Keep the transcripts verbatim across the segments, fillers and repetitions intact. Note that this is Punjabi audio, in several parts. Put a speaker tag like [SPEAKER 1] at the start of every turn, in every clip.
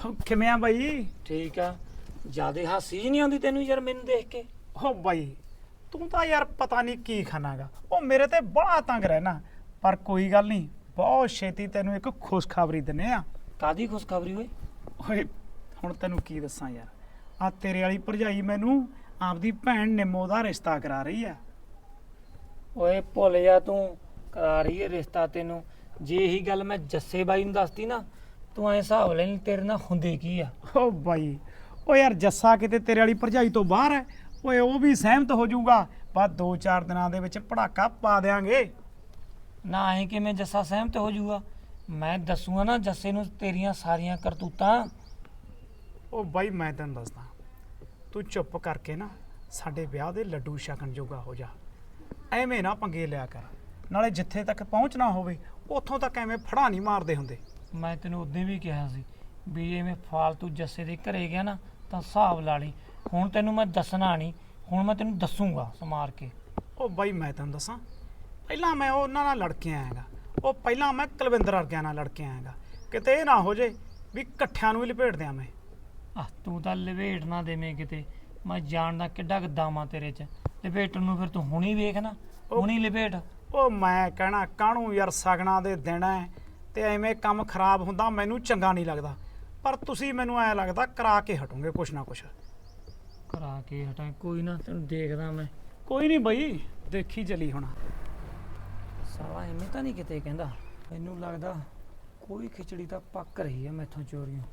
[SPEAKER 1] ਕਿਵੇਂ ਆ ਬਾਈ?
[SPEAKER 2] ਠੀਕ ਆ। ਜਿਆਦੇ ਹਾਸੀ ਜੀ ਨਹੀਂ ਆਉਂਦੀ ਤੈਨੂੰ ਯਾਰ ਮੈਨੂੰ ਦੇਖ ਕੇ?
[SPEAKER 1] ਹੋ ਬਾਈ ਤੂੰ ਤਾਂ ਯਾਰ ਪਤਾ ਨਹੀਂ ਕੀ ਖਾਣਾਗਾ, ਉਹ ਮੇਰੇ ਤੇ ਬੜਾ ਤੰਗ ਰਹਿਣਾ। ਪਰ ਕੋਈ ਗੱਲ ਨਹੀਂ, ਬਹੁਤ ਛੇਤੀ ਤੈਨੂੰ ਇੱਕ ਖੁਸ਼ਖਬਰੀ ਦਿੰਨੇ ਆ।
[SPEAKER 2] ਕਾਦੀ ਖੁਸ਼ਖਬਰੀ ਓਏ?
[SPEAKER 1] ਓਏ ਹੁਣ ਤੈਨੂੰ ਕੀ ਦੱਸਾਂ ਯਾਰ, ਆ ਤੇਰੇ ਵਾਲੀ ਭਰਜਾਈ ਮੈਨੂੰ ਆਪਦੀ ਭੈਣ ਨਿੰਮੋ ਦਾ ਰਿਸ਼ਤਾ ਕਰਾ ਰਹੀ ਆ।
[SPEAKER 2] ਓਏ ਭੁੱਲ ਜਾ, ਤੂੰ ਕਰਾ ਰਹੀ ਹੈ ਰਿਸ਼ਤਾ ਤੈਨੂੰ। ਜੇ ਇਹੀ ਗੱਲ ਮੈਂ ਜੱਸੇ ਬਾਈ ਨੂੰ ਦੱਸਤੀ ਨਾ, ਤੂੰ ਐ ਹਿਸਾਬ ਲੈ ਤੇਰੇ ਨਾਲ ਹੁੰਦੇ ਕੀ ਆ।
[SPEAKER 1] ਓ ਬਾਈ ਓ ਯਾਰ ਜੱਸਾ ਕਿਤੇ ਤੇਰੇ ਵਾਲੀ ਭਰਜਾਈ ਤੋਂ ਬਾਹਰ ਹੈ। ਓਏ ਉਹ ਵੀ ਸਹਿਮਤ ਹੋ ਜਾਊਗਾ, ਬਸ ਦੋ ਚਾਰ ਦਿਨਾਂ ਦੇ ਵਿੱਚ ਪੜਾਕਾ ਪਾ ਦੇਾਂਗੇ।
[SPEAKER 2] ਨਾ ਐ ਕਿਵੇਂ ਜੱਸਾ ਸਹਿਮਤ ਹੋ ਜਾਊਗਾ? ਮੈਂ ਦੱਸੂਗਾ ਨਾ ਜੱਸੇ ਨੂੰ ਤੇਰੀਆਂ ਸਾਰੀਆਂ ਕਰਤੂਤਾਂ।
[SPEAKER 1] ਉਹ ਬਾਈ ਮੈਂ ਤੈਨੂੰ ਦੱਸਦਾ, ਤੂੰ ਚੁੱਪ ਕਰਕੇ ਨਾ ਸਾਡੇ ਵਿਆਹ ਦੇ ਲੱਡੂ ਛਕਣ ਜੋਗਾ ਹੋ ਜਾ। ਐਵੇਂ ਨਾ ਪੰਗੇ ਲਿਆ ਕਰ, ਨਾਲੇ ਜਿੱਥੇ ਤੱਕ ਪਹੁੰਚਣਾ ਹੋਵੇ ਉੱਥੋਂ ਤੱਕ ਐਵੇਂ ਫੜਾ ਨਹੀਂ ਮਾਰਦੇ ਹੁੰਦੇ।
[SPEAKER 2] ਮੈਂ ਤੈਨੂੰ ਉਦੋਂ ਵੀ ਕਿਹਾ ਸੀ ਵੀ ਐਵੇਂ ਫਾਲਤੂ ਜੱਸੇ ਦੇ ਘਰੇ ਗਿਆ ਨਾ ਤਾਂ ਹਿਸਾਬ ਲਾ ਲਈ। ਹੁਣ ਤੈਨੂੰ ਮੈਂ ਦੱਸਣਾ ਨਹੀਂ, ਹੁਣ ਮੈਂ ਤੈਨੂੰ ਦੱਸੂਗਾ ਸਮਾਰ ਕੇ।
[SPEAKER 1] ਉਹ ਬਾਈ ਮੈਂ ਤੈਨੂੰ ਦੱਸਾਂ, ਪਹਿਲਾਂ ਮੈਂ ਉਹਨਾਂ ਨਾਲ ਲੜ ਕੇ ਆਇਆਗਾ। ਉਹ ਪਹਿਲਾਂ ਮੈਂ ਕੁਲਵਿੰਦਰ ਵਰਗਿਆਂ ਨਾਲ ਲੜ ਕੇ ਆਇਆਗਾ। ਕਿਤੇ ਇਹ ਨਾ ਹੋ ਜੇ ਵੀ ਇਕੱਠਿਆਂ ਨੂੰ ਹੀ ਲਪੇਟ ਦਿਆਂ ਮੈਂ।
[SPEAKER 2] ਆਹ ਤੂੰ ਤਾਂ ਲਪੇਟ ਨਾ ਦੇਵੇਂ ਕਿਤੇ, ਮੈਂ ਜਾਣਦਾ ਕਿੱਡਾ ਗਦਾਮਾ ਤੇਰੇ 'ਚ। ਲਪੇਟਣ ਨੂੰ ਫਿਰ ਤੂੰ ਹੁਣੀ ਵੇਖ ਨਾ, ਹੁਣੀ ਲਪੇਟ।
[SPEAKER 1] ਉਹ ਮੈਂ ਕਹਿਣਾ ਕਾਹਨੂੰ ਯਾਰ, ਸਗਣਾ ਦੇ ਦਿਨ ਹੈ ਤੇ ਐਵੇਂ ਕੰਮ ਖਰਾਬ ਹੁੰਦਾ ਮੈਨੂੰ ਚੰਗਾ ਨਹੀਂ ਲੱਗਦਾ। ਪਰ ਤੁਸੀਂ ਮੈਨੂੰ ਐ ਲੱਗਦਾ ਕਰਾ ਕੇ ਹਟੋਗੇ ਕੁਛ ਨਾ ਕੁਛ।
[SPEAKER 2] ਕਰਾ ਕੇ ਹਟਾਂ ਕੋਈ ਨਾ, ਤੈਨੂੰ ਦੇਖਦਾ ਮੈਂ।
[SPEAKER 1] ਕੋਈ ਨਹੀਂ ਬਈ, ਦੇਖੀ ਚਲੀ ਹੁਣ।
[SPEAKER 2] ਸਾਲਾ ਐਵੇਂ ਤਾਂ ਨਹੀਂ ਕਿਤੇ ਕਹਿੰਦਾ। ਮੈਨੂੰ ਲੱਗਦਾ ਕੋਈ ਖਿਚੜੀ ਤਾਂ ਪੱਕ ਰਹੀ ਹੈ ਮੈਥੋਂ ਚੋਰੀਆਂ।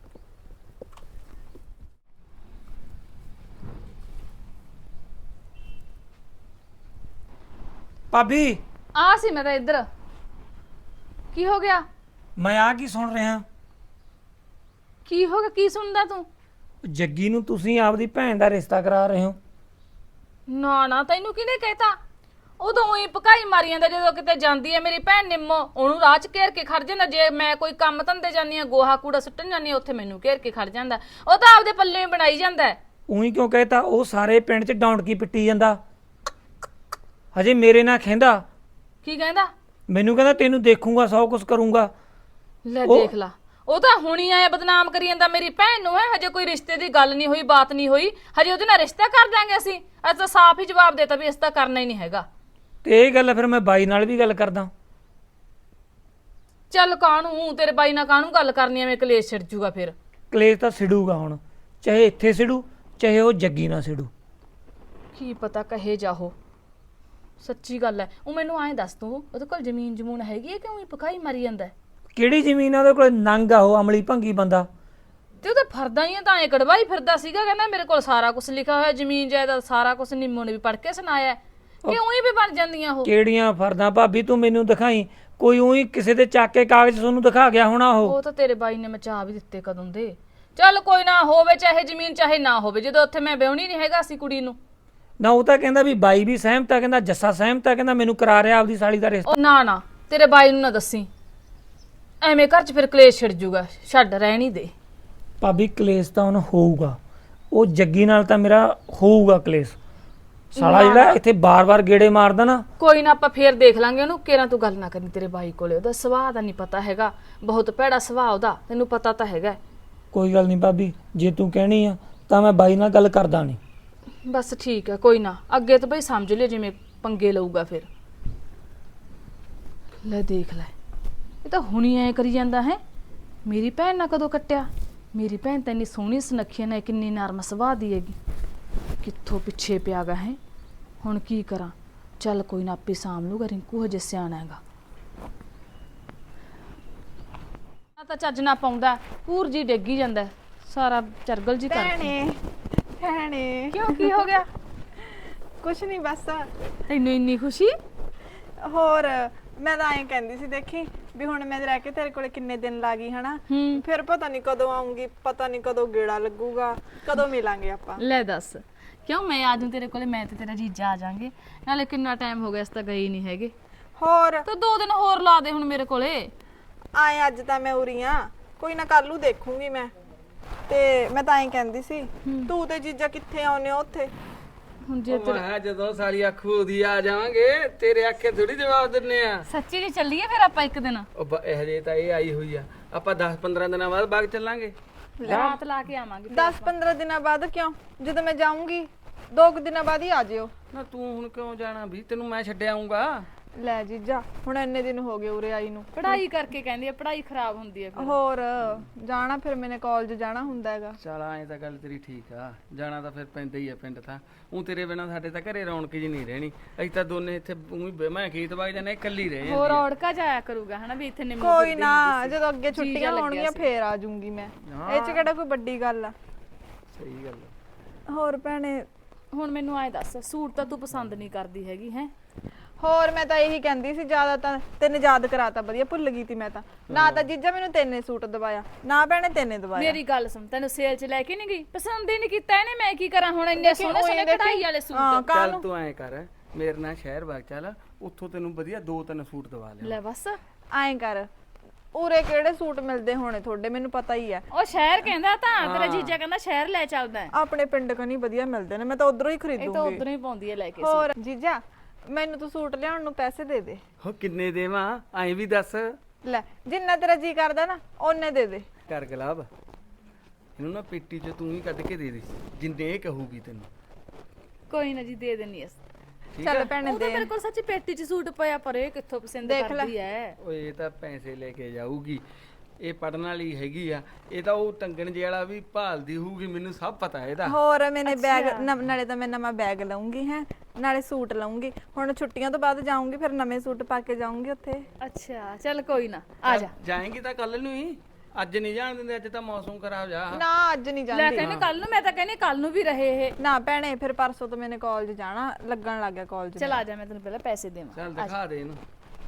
[SPEAKER 2] ਭਾਬੀ
[SPEAKER 3] ਆ ਸੀ ਮੈਂ ਤਾਂ ਇੱਧਰ। ਕੀ ਹੋ ਗਿਆ?
[SPEAKER 2] ਮੈਂ ਆ ਕੀ ਸੁਣ ਰਿਹਾ?
[SPEAKER 3] ਕੀ ਹੋ ਗਿਆ? ਕੀ ਸੁਣਦਾ ਤੂੰ?
[SPEAKER 2] ਜੱਗੀ ਨੂੰ ਤੁਸੀਂ ਆਪਦੀ ਭੈਣ ਦਾ ਰਿਸ਼ਤਾ ਕਰਾ ਰਹੇ ਹੋ?
[SPEAKER 3] ਨਾ ਨਾ, ਤੈਨੂੰ ਕਿਹਨੇ ਕਹਿਤਾ? ਉਦੋਂ ਹੀ ਪਕਾਈ ਮਾਰੀ ਜਾਂਦਾ ਜਦੋਂ ਕਿਤੇ ਜਾਂਦੀ ਹੈ ਮੇਰੀ ਭੈਣ ਨਿੰਮੋ, ਉਹਨੂੰ ਰਾਹ 'ਚ ਘੇਰ ਕੇ ਖੜ ਜਾਂਦਾ। ਜੇ ਮੈਂ ਕੋਈ ਕੰਮ ਧੰਦੇ ਜਾਂਦੀ ਆ, ਗੋਹਾ ਕੂੜਾ ਸੁੱਟਣ ਜਾਂਦੀ ਆ, ਉੱਥੇ ਮੈਨੂੰ ਘੇਰ ਕੇ ਖੜ ਜਾਂਦਾ। ਉਹ ਤਾਂ ਆਪਦੇ ਪੱਲੇ ਹੀ ਬਣਾਈ ਜਾਂਦਾ।
[SPEAKER 2] ਉਹੀ ਕਿਉਂ ਕਹਿਤਾ? ਉਹ ਸਾਰੇ ਪਿੰਡ 'ਚ ਡੌਂਡਕੀ ਪਿੱਟੀ ਜਾਂਦਾ। ਹਜੇ ਮੇਰੇ ਨਾਲ ਕਹਿੰਦਾ।
[SPEAKER 3] ਕੀ ਕਹਿੰਦਾ?
[SPEAKER 2] ਮੈਨੂੰ ਕਹਿੰਦਾ ਤੈਨੂੰ ਦੇਖੂੰਗਾ, ਸੌ ਕੁਛ ਕਰੂੰਗਾ।
[SPEAKER 3] ਲੈ ਦੇਖ ਲਾ, ਉਹ ਤਾਂ ਹੁਣੀ ਆਇਆ ਬਦਨਾਮ ਕਰੀ ਜਾਂਦਾ ਮੇਰੀ ਭੈਣ ਨੂੰ। ਹੈ ਹਜੇ ਕੋਈ ਰਿਸ਼ਤੇ ਦੀ ਗੱਲ ਨਹੀਂ ਹੋਈ, ਬਾਤ ਨਹੀਂ ਹੋਈ, ਹਜੇ ਉਹਦੇ ਨਾਲ ਰਿਸ਼ਤਾ ਕਰ ਦਾਂਗੇ ਅਸੀਂ। ਅੱਜ ਤਾਂ ਸਾਫ਼ ਹੀ ਜਵਾਬ ਦੇਤਾ ਵੀ ਇਸ ਤਾਂ ਕਰਨਾ ਹੀ ਨਹੀਂ ਹੈਗਾ।
[SPEAKER 2] ਤੇ ਇਹ ਗੱਲ ਫਿਰ ਮੈਂ ਬਾਈ ਨਾਲ ਵੀ ਗੱਲ ਕਰਦਾ।
[SPEAKER 3] ਚੱਲ ਕਾਹਨੂੰ ਤੇਰੇ ਬਾਈ ਨਾਲ ਕਾਹਨੂੰ ਗੱਲ ਕਰਨੀ, ਐਵੇਂ ਕਲੇਸ਼ ਛਿੜ ਜੂਗਾ ਫਿਰ।
[SPEAKER 2] ਕਲੇਸ਼ ਤਾਂ ਸਿੜੂਗਾ ਹੁਣ, ਚਾਹੇ ਇੱਥੇ ਸਿੜੂ ਚਾਹੇ ਉਹ ਜੱਗੀ ਨਾਲ ਸਿੜੂ।
[SPEAKER 3] ਕੀ ਪਤਾ ਕਹੇ ਜਾਹੋ, ਸੱਚੀ ਗੱਲ ਹੈ। ਉਹ ਮੈਨੂੰ ਐਂ ਦੱਸ ਤੂੰ, ਉਹਦੇ ਕੋਲ ਜ਼ਮੀਨ ਜਮੂਨ ਹੈਗੀ ਹੈ ਕਿ ਉਹੀ ਪਕਾਈ ਮਾਰੀ ਜਾਂਦਾ?
[SPEAKER 2] ਕਿਹੜੀ ਜ਼ਮੀਨ ਆ ਉਹਦੇ ਕੋਲ? ਨੰਗ ਆ ਉਹ, ਅਮਲੀ ਭੰਗੀ ਬੰਦਾ।
[SPEAKER 3] ਤੇ ਉਹ ਤਾਂ ਫਰਦਾ ਹੀ ਆ, ਤਾਂ ਐ ਕੜਵਾਈ ਫਿਰਦਾ ਸੀਗਾ। ਕਹਿੰਦਾ ਮੇਰੇ ਕੋਲ ਸਾਰਾ ਕੁਝ ਲਿਖਿਆ ਹੋਇਆ, ਜ਼ਮੀਨ ਜਾਇਦਾਦ ਸਾਰਾ ਕੁਝ। ਨਿੰਮੋ ਨੇ ਵੀ ਪੜ੍ਹ ਕੇ ਸੁਣਾਇਆ ਕਿ ਉਹੀ ਵੀ ਬਣ ਜਾਂਦੀਆਂ ਉਹ।
[SPEAKER 2] ਕਿਹੜੀਆਂ ਫਰਦਾਂ ਭਾਬੀ? ਤੂੰ ਮੈਨੂੰ ਦਿਖਾਈ ਕੋਈ। ਉਹੀ ਕਿਸੇ ਦੇ ਚੱਕ ਕੇ ਕਾਗਜ਼ ਤੁਹਾਨੂੰ ਦਿਖਾ ਗਿਆ ਹੋਣਾ ਉਹ।
[SPEAKER 3] ਉਹ ਤਾਂ ਤੇਰੇ ਬਾਈ ਨੇ ਮਚਾ ਵੀ ਦਿੱਤੇ ਕਦੋਂ ਦੇ। ਚੱਲ ਕੋਈ ਨਾ, ਹੋਵੇ ਚਾਹੇ ਜ਼ਮੀਨ ਚਾਹੇ ਨਾ ਹੋਵੇ, ਜਦੋਂ ਉੱਥੇ ਮੈਂ ਵਿਆਹਣੀ ਨਹੀਂ ਹੈਗਾ ਸੀ ਕੁੜੀ ਨੂੰ।
[SPEAKER 2] ਨਾ ਉਹ ਤਾਂ ਕਹਿੰਦਾ ਵੀ ਬਾਈ ਵੀ ਸਹਿਮਤ ਆ, ਕਹਿੰਦਾ ਜੱਸਾ ਸਹਿਮਤ ਆ, ਕਹਿੰਦਾ ਮੈਨੂੰ ਕਰਾ ਰਿਹਾ ਆਪਦੀ ਸਾਲੀ ਦਾ ਰਿਸ਼ਤਾ।
[SPEAKER 3] ਉਹ ਨਾ ਨਾ, ਤੇਰੇ ਬਾਈ ਨੂੰ ਨਾ ਦੱਸੀ, ਐਵੇਂ ਘਰ 'ਚ ਫਿਰ ਕਲੇਸ਼ ਛਿੜ ਜੂਗਾ। ਛੱਡ, ਰਹਿਣ ਹੀ ਦੇ।
[SPEAKER 2] ਭਾਬੀ ਕਲੇਸ਼ ਤਾਂ ਹੁਣ ਹੋਊਗਾ, ਉਹ ਜੱਗੀ ਨਾਲ ਤਾਂ ਮੇਰਾ ਹੋਊਗਾ ਕਲੇਸ਼। ਸਾਲਾ ਜਿਹੜਾ ਇੱਥੇ ਬਾਰ-ਬਾਰ ਗੇੜੇ ਮਾਰਦਾ ਨਾ।
[SPEAKER 3] ਕੋਈ ਨਾ, ਆਪਾਂ ਫੇਰ ਦੇਖ ਲਾਂਗੇ ਉਹਨੂੰ। ਕੇਰਾਂ ਤੂੰ ਗੱਲ ਨਾ ਕਰੀ ਤੇਰੇ ਬਾਈ ਕੋਲੇ, ਉਹਦਾ ਸੁਭਾਅ ਦਾ ਨਹੀਂ ਪਤਾ ਹੈਗਾ, ਬਹੁਤ ਭੈੜਾ ਸੁਭਾਅ ਉਹਦਾ, ਤੈਨੂੰ ਪਤਾ ਤਾਂ ਹੈਗਾ।
[SPEAKER 2] ਕੋਈ ਗੱਲ ਨਹੀਂ ਭਾਬੀ, ਜੇ ਤੂੰ ਕਹਿਣੀ ਆ ਤਾਂ ਮੈਂ ਬਾਈ ਨਾਲ ਗੱਲ ਕਰਦਾ ਨਹੀਂ।
[SPEAKER 3] ਬਸ ਠੀਕ ਹੈ, ਕੋਈ ਨਾ। ਅੱਗੇ ਤਾਂ ਬਈ ਸਮਝ ਲਿਓ ਜਿਵੇਂ ਪੰਗੇ ਲਊਗਾ ਫਿਰ। ਲੈ ਦੇਖ ਲੈ, ਇਹ ਤਾਂ ਹੁਣੀ ਐ ਕਰੀ ਜਾਂਦਾ ਹੈ। ਮੇਰੀ ਭੈਣ ਨਾਲ ਕਦੋਂ ਕੱਟਿਆ? ਮੇਰੀ ਭੈਣ ਤਾਂ ਇੰਨੀ ਸੋਹਣੀ ਸੁਨੱਖੀ ਨਾ, ਕਿੰਨੀ ਨਰਮ ਸੁਭਾਅ ਦੀ ਹੈਗੀ, ਕਿੱਥੋਂ ਪਿੱਛੇ ਪਿਆ ਗਾ ਹੈ। ਹੁਣ ਕੀ ਕਰਾਂ? ਚੱਲ ਕੋਈ ਨਾ, ਆਪੇ ਸਾਂਭ ਲੂਗਾ। ਰਿੰਕੂ ਹਜੇ ਸਿਆਣਾ ਹੈਗਾ। ਆ ਤਾਂ ਚੱਜ ਨਾ ਪਾਉਂਦਾ, ਪੂਰ ਜੀ ਡੇਗੀ ਜਾਂਦਾ, ਸਾਰਾ ਚਰਗਲ ਜੀ ਕਰ।
[SPEAKER 4] ਭੈਣੇ ਭੈਣੇ
[SPEAKER 3] ਕਿਉਂ, ਕੀ ਹੋ ਗਿਆ?
[SPEAKER 4] ਕੁਛ ਨਹੀਂ, ਬਸ
[SPEAKER 3] ਤੈਨੂੰ ਇੰਨੀ ਖੁਸ਼ੀ?
[SPEAKER 4] ਹੋਰ ਮੈਂ ਤਾਂ ਐਂ ਕਹਿੰਦੀ ਸੀ, ਦੇਖੀ ਵੀ ਹੁਣ ਮੈਂ ਰਹਿ ਕੇ ਤੇਰੇ ਕੋਲੇ ਕਿੰਨੇ ਦਿਨ ਲਾ ਗਈ ਹਨਾ।
[SPEAKER 3] ਹੂੰ।
[SPEAKER 4] ਫਿਰ ਪਤਾ ਨਹੀਂ ਕਦੋਂ ਆਉਂਗੀ, ਪਤਾ ਨਹੀਂ ਕਦੋਂ ਗੇੜਾ ਲੱਗੂਗਾ, ਕਦੋਂ ਮਿਲਾਂਗੇ ਆਪਾਂ।
[SPEAKER 3] ਲੈ ਦੱਸ, ਕਿਉਂ ਮੈਂ ਆ ਜਾਊਂ ਤੇਰੇ ਕੋਲੇ? ਮੈਂ ਤੇ ਤੇਰਾ ਜੀਜਾ ਆ ਜਾਾਂਗੇ। ਨਾਲੇ ਕਿੰਨਾ ਟਾਈਮ ਹੋ ਗਿਆ, ਇਸ ਤਾਂ ਗਏ ਹੀ ਨਹੀਂ ਹੈਗੇ।
[SPEAKER 4] ਹੋਰ
[SPEAKER 3] ਤਾਂ ਦੋ ਦਿਨ ਹੋਰ ਲਾ ਦੇ ਹੁਣ ਮੇਰੇ ਕੋਲੇ।
[SPEAKER 4] ਆਏ ਅੱਜ ਤਾਂ ਮੈਂ ਉਰੀ ਆ, ਕੋਈ ਨਾ ਕੱਲ ਨੂੰ ਦੇਖੂੰਗੀ ਮੈਂ। ਤੇ ਮੈਂ ਤਾਂ ਐਂ ਕਹਿੰਦੀ ਸੀ, ਤੂੰ ਤੇ ਜੀਜਾ ਕਿੱਥੇ ਆਉਨੇ ਹੋ ਉੱਥੇ?
[SPEAKER 3] ਹੁਣ ਜੇ ਤੇਰੇ
[SPEAKER 5] ਮੈਂ ਜਦੋਂ ਸਾਲੀ ਆਖੂ ਉਹਦੀ ਆ ਜਾਵਾਂਗੇ, ਤੇਰੇ ਆਖੇ ਥੋੜੀ ਜਵਾਬ ਦਿੰਨੇ ਆ।
[SPEAKER 3] ਸੱਚੀ ਜੀ ਚੱਲੀਏ ਫਿਰ ਆਪਾਂ ਇੱਕ ਦਿਨ?
[SPEAKER 5] ਉਹ ਬ- ਇਹ ਹਜੇ ਤਾਂ ਇਹ ਆਈ ਹੋਈ ਆ, ਆਪਾਂ ਦਸ ਪੰਦਰਾਂ ਦਿਨਾਂ ਬਾਅਦ ਬਾਗ ਚੱਲਾਂਗੇ।
[SPEAKER 3] ਰਾਤ ਲਾ ਕੇ ਆਵਾਂਗੇ
[SPEAKER 4] ਦਸ ਪੰਦਰਾਂ ਦਿਨਾਂ ਬਾਅਦ ਕਿਉਂ? ਜਦੋਂ ਮੈਂ ਜਾਊਂਗੀ ਦੋ ਕੁ ਦਿਨਾਂ ਬਾਅਦ ਹੀ ਆ ਜਿਓ।
[SPEAKER 5] ਨਾ ਤੂੰ ਹੁਣ ਕਿਉਂ ਜਾਣਾ ਵੀ? ਤੈਨੂੰ ਮੈਂ ਛੱਡ ਆਉਂਗਾ।
[SPEAKER 4] ਲੈ ਜੀਜਾ ਹੁਣ ਇੰਨੇ ਦਿਨ ਹੋ ਗਏ ਉਰੇ ਆਈ ਨੂੰ।
[SPEAKER 3] ਪੜ੍ਹਾਈ ਕਰਕੇ ਕਹਿੰਦੀ ਆ ਪੜ੍ਹਾਈ ਖਰਾਬ ਹੁੰਦੀ ਹੈ ਫਿਰ
[SPEAKER 4] ਹੋਰ ਜਾਣਾ ਫਿਰ ਮੈਨੇ ਕਾਲਜ ਜਾਣਾ ਹੁੰਦਾ ਹੈਗਾ।
[SPEAKER 5] ਚਲ ਐਂ ਤਾਂ ਗੱਲ ਤੇਰੀ ਠੀਕ ਆ, ਜਾਣਾ ਤਾਂ ਫਿਰ ਪੈਂਦਾ ਹੀ ਆ ਪਿੰਡ ਤਾਂ। ਉਹ ਤੇਰੇ ਬਿਨਾਂ ਸਾਡੇ ਤਾਂ ਘਰੇ ਰੌਣਕ ਜੀ ਨਹੀਂ ਰਹਿਣੀ। ਅਸੀਂ ਤਾਂ ਦੋਨੇ ਇੱਥੇ ਊਂ ਹੀ ਮੈਂ ਖੇਤ ਵਗ ਜਾਣਾ, ਇਕੱਲੀ ਰਹਿ
[SPEAKER 3] ਹੋਰ
[SPEAKER 5] ਜਾਂਦੀ ਆ।
[SPEAKER 3] ਔੜਕਾ ਜਾਇਆ ਕਰੂਗਾ ਹਨਾ ਵੀ ਇੱਥੇ ਨਿੰਮੋ
[SPEAKER 4] ਕੋਈ
[SPEAKER 3] ਫਿਰਦੀ
[SPEAKER 4] ਨਾ
[SPEAKER 3] ਹੁੰਦੀ ਸੀ।
[SPEAKER 4] ਜਦੋਂ ਅੱਗੇ ਛੁੱਟੀਆਂ
[SPEAKER 3] ਲੱਗਿਆ
[SPEAKER 4] ਹੋਣਗੀਆਂ
[SPEAKER 3] ਸੀ।
[SPEAKER 4] ਫੇਰ ਆ ਜਾਊਂਗੀ ਮੈਂ। ਇਹ ਚ ਕਿਹੜਾ ਕੋਈ ਵੱਡੀ ਗੱਲ ਆ।
[SPEAKER 5] ਸਹੀ ਗੱਲ ਆ।
[SPEAKER 4] ਹੋਰ ਭੈਣੇ
[SPEAKER 3] ਹੁਣ ਮੈਨੂੰ ਆਏ ਦੱਸ, ਸੂਟ ਤਾਂ ਤੂੰ ਪਸੰਦ ਨਹੀਂ ਕਰਦੀ ਹੈਗੀ ਹੈ?
[SPEAKER 4] ਹੋਰ ਮੈਂ ਤਾਂ ਇਹੀ ਕਹਿੰਦੀ ਸੀ, ਜ਼ਿਆਦਾ ਤਾਂ ਤੈਨੂੰ ਯਾਦ ਕਰਾਤਾ, ਵਧੀਆ ਭੁੱਲ ਗਈ ਤੀ ਮੈਂ ਤਾਂ। ਨਾ ਤਾਂ ਜੀਜਾ ਮੈਨੂੰ ਤੈਨੇ ਸੂਟ ਦਵਾਇਆ, ਨਾ ਭੈਣੇ ਤੈਨੇ ਦਵਾਇਆ।
[SPEAKER 3] ਮੇਰੀ ਗੱਲ ਸੁਣ, ਤੈਨੂੰ ਸੇਲ 'ਚ ਲੈ ਕੇ ਨਹੀਂ ਗਈ? ਪਸੰਦ ਹੀ ਨਹੀਂ ਕੀਤਾ ਇਹਨੇ, ਮੈਂ ਕੀ ਕਰਾਂ ਹੁਣ? ਇੰਨੇ ਸੋਹਣੇ ਸੋਹਣੇ ਕਢਾਈ ਵਾਲੇ
[SPEAKER 4] ਹਾਂ,
[SPEAKER 3] ਸੂਟ।
[SPEAKER 5] ਚੱਲ
[SPEAKER 4] ਕਾਹਨੂੰ?
[SPEAKER 5] ਤੂੰ ਐਂ ਕਰ, ਮੇਰੇ ਨਾਲ ਸ਼ਹਿਰ ਵਗ ਚੱਲ, ਉੱਥੋਂ ਤੈਨੂੰ ਵਧੀਆ ਦੋ ਤਿੰਨ ਸੂਟ ਦਵਾ ਲਿਆ।
[SPEAKER 3] ਲੈ ਬਸ
[SPEAKER 4] ਐਂ ਕਰ, ਉਰੇ ਕਿਹੜੇ ਸੂਟ ਮਿਲਦੇ ਹੋਣੇ ਤੁਹਾਡੇ, ਮੈਨੂੰ ਪਤਾ ਹੀ ਆ।
[SPEAKER 3] ਉਹ ਸ਼ਹਿਰ ਕਹਿੰਦਾ ਤਾਂ, ਤੇਰਾ ਜੀਜਾ ਕਹਿੰਦਾ ਸ਼ਹਿਰ ਲੈ ਚੱਲਦਾ ਹੈ।
[SPEAKER 4] ਆਪਣੇ ਪਿੰਡ ਕਨੀ ਵਧੀਆ ਮਿਲਦੇ ਨੇ, ਮੈਂ ਤਾਂ ਉਧਰੋਂ ਹੀ
[SPEAKER 3] ਇਹ ਤਾਂ
[SPEAKER 4] ਖਰੀਦੂੰਗੀ।
[SPEAKER 3] ਉਧਰੋਂ ਹੀ ਪਾਉਂਦੀ ਹੈ ਲੈ ਕੇ।
[SPEAKER 4] ਹੋਰ ਜੀਜਾ ਮੈਨੂੰ ਤੂੰ ਸੂਟ ਲਿਆਉਣ ਨੂੰ ਪੈਸੇ ਦੇ ਦੇ।
[SPEAKER 5] ਹੋ ਕਿੰਨੇ ਦੇਵਾਂ ਐਂ ਵੀ ਦੱਸ।
[SPEAKER 4] ਲੈ ਜਿੰਨਾ ਤੇਰਾ ਜੀ ਕਰਦਾ ਨਾ ਓਨੇ ਦੇ ਦੇ।
[SPEAKER 5] ਕਰ ਗਲਾਬ, ਇਹਨੂੰ ਨਾ ਪੇਟੀ 'ਚ ਤੂੰ ਹੀ ਕੱਢ ਕੇ ਦੇ ਦੇ, ਜਿੰਨੇ ਇਹ ਕਹੂਗੀ ਤੈਨੂੰ।
[SPEAKER 3] ਕੋਈ ਨਾ ਜੀ, ਦੇ ਦੇਣੀ ਅਸ।
[SPEAKER 5] ਠੀਕ
[SPEAKER 4] ਚੱਲ
[SPEAKER 5] ਆ?
[SPEAKER 4] ਭੈਣੇ
[SPEAKER 3] ਉਹ ਤਾਂ
[SPEAKER 4] ਦੇ।
[SPEAKER 3] ਮੇਰੇ ਕੋਲ ਸੱਚੀ ਪੇਟੀ 'ਚ ਸੂਟ ਪਿਆ, ਪਰ ਇਹ ਕਿੱਥੋਂ ਪਸੰਦ
[SPEAKER 4] ਦੇਖ ਲੈ।
[SPEAKER 3] ਕਰਦੀ ਹੈ?
[SPEAKER 5] ਓਏ ਇਹ ਤਾਂ ਪੈਸੇ ਲੈ ਕੇ ਜਾਊਗੀ, ਇਹ ਪੜਨ ਵਾਲੀ ਹੈਗੀ ਆ। ਇਹ ਤਾਂ ਉਹ ਟੰਗਣ ਜੇ ਵਾਲਾ ਵੀ ਭਾਲਦੀ ਹੋਊਗੀ, ਮੈਨੂੰ ਸਭ ਪਤਾ ਇਹਦਾ।
[SPEAKER 4] ਹੋਰ ਮੈਨੇ ਬੈਗ ਨਵ- ਨਾਲੇ ਤਾਂ ਮੈਂ ਨਵਾਂ ਬੈਗ ਲਵਾਂਗੀ ਹੈ, ਨਾਲੇ ਸੂਟ ਲਵਾਂਗੀ। ਹੁਣ ਛੁੱਟੀਆਂ ਤੋਂ ਬਾਅਦ ਜਾਊਂਗੀ, ਫਿਰ ਨਵੇਂ ਸੂਟ ਪਾ ਕੇ ਜਾਊਂਗੀ ਉੱਥੇ।
[SPEAKER 3] ਅੱਛਾ ਚੱਲ ਕੋਈ ਨਾ, ਆ ਜਾ।
[SPEAKER 5] ਜਾਏਂਗੀ ਤਾਂ ਕੱਲ ਨੂੰ ਹੀ, ਅੱਜ ਨਹੀਂ ਜਾਣ ਦਿੰਦੇ, ਅੱਜ ਤਾਂ ਮੌਸਮ ਖਰਾਬ ਜਾ।
[SPEAKER 4] ਨਾ ਅੱਜ ਨਹੀਂ
[SPEAKER 3] ਲੈ
[SPEAKER 4] ਜਾਂਦੀ।
[SPEAKER 3] ਕਹਿੰਦੇ ਕੱਲ ਨੂੰ, ਮੈਂ ਤਾਂ ਕਹਿੰਦੀ ਕੱਲ ਨੂੰ ਵੀ ਰਹੇ ਇਹ।
[SPEAKER 4] ਨਾ ਭੈਣੇ ਫਿਰ ਪਰਸੋਂ ਤੋਂ ਮੈਨੇ ਕਾਲਜ ਜਾਣਾ, ਲੱਗਣ ਲੱਗ ਗਿਆ ਕਾਲਜ।
[SPEAKER 3] ਚਲ ਆ ਜਾ, ਮੈਂ ਤੈਨੂੰ ਪਹਿਲਾਂ ਪੈਸੇ ਦੇਵਾਂ।
[SPEAKER 5] ਚੱਲ ਦਿਖਾ ਦੇ ਇਹਨੂੰ।